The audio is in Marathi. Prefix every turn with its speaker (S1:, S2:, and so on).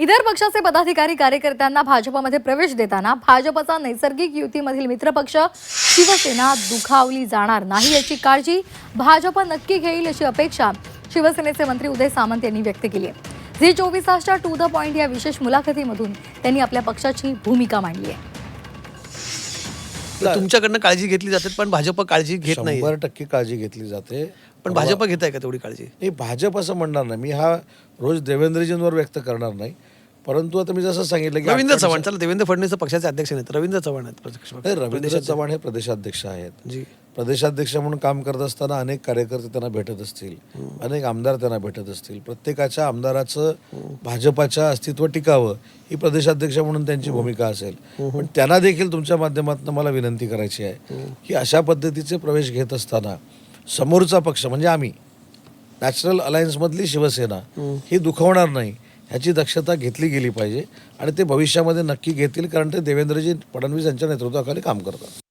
S1: इतर पक्षाचे पदाधिकारी कार्यकर्त्यांना भाजपमध्ये प्रवेश देताना भाजपचा नैसर्गिक युतीमधील मित्रपक्ष शिवसेना दुखावली जाणार नाही याची काळजी भाजप नक्की घेईल अशी अपेक्षा शिवसेनेचे मंत्री उदय सामंत यांनी व्यक्त केली आहे. झी 24 तासच्या टू द पॉइंट या विशेष मुलाखतीमधून त्यांनी आपल्या पक्षाची भूमिका मांडली आहे.
S2: तुमच्याकडनं काळजी घेतली जाते पण भाजप काळजी घेत नाही.
S3: 100% काळजी घेतली जाते.
S2: पण भाजप घेत आहे का तेवढी काळजी?
S3: नाही, भाजप असं म्हणणार नाही. मी हा रोज देवेंद्रजींवर व्यक्त करणार नाही. परंतु आता मी जसं सांगितलं की
S2: रवींद्र चव्हाण, चला देवेंद्र फडणवीस पक्षाचे अध्यक्ष नाहीत, रवींद्र चव्हाण आहेत.
S3: नाही, रवींद्र चव्हाण हे प्रदेशाध्यक्ष आहेत.
S2: जी.
S3: प्रदेशाध्यक्ष म्हणून काम करत असताना अनेक कार्यकर्ते त्यांना भेटत असतील, अनेक आमदार त्यांना भेटत असतील. प्रत्येकाच्या आमदाराचं भाजपाच्या अस्तित्व टिकावं ही प्रदेशाध्यक्ष म्हणून त्यांची भूमिका असेल. पण त्यांना देखील तुमच्या माध्यमातून मला विनंती करायची आहे की अशा पद्धतीचे प्रवेश घेत असताना समोरचा पक्ष म्हणजे आम्ही नॅचरल अलायन्समधली शिवसेना ही दुखावणार नाही ह्याची दक्षता घेतली गेली पाहिजे आणि ते भविष्यामध्ये नक्की घेतील, कारण ते देवेंद्रजी फडणवीस यांच्या नेतृत्वाखाली काम करतात.